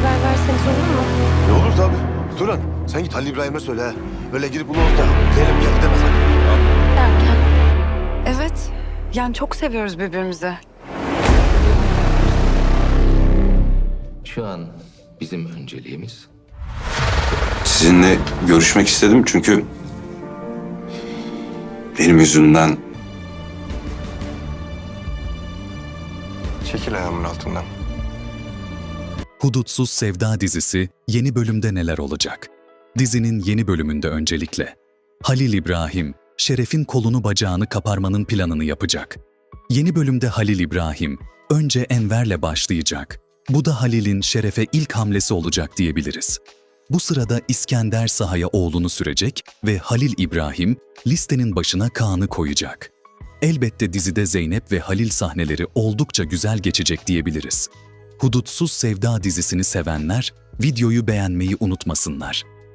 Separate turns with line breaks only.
haber verseniz olur mu?
Ne olur tabii. Turan sen git Halil İbrahim'e söyle. Ha. Öyle girip bunu orta. Zeynep geldi deme sakın.
Derken?
Evet. Yani çok seviyoruz birbirimizi.
Şu an bizim önceliğimiz
Sizinle görüşmek istedim çünkü benim yüzümden
Çekil ayağımın altından.
Hudutsuz Sevda dizisi yeni bölümde neler olacak? Dizinin yeni bölümünde öncelikle Halil İbrahim, Şeref'in kolunu bacağını kaparmanın planını yapacak. Yeni bölümde Halil İbrahim önce Enver'le başlayacak. Bu da Halil'in Şeref'e ilk hamlesi olacak diyebiliriz. Bu sırada İskender sahaya oğlunu sürecek ve Halil İbrahim listenin başına Kaan'ı koyacak. Elbette dizide Zeynep ve Halil sahneleri oldukça güzel geçecek diyebiliriz. Hudutsuz Sevda dizisini sevenler videoyu beğenmeyi unutmasınlar.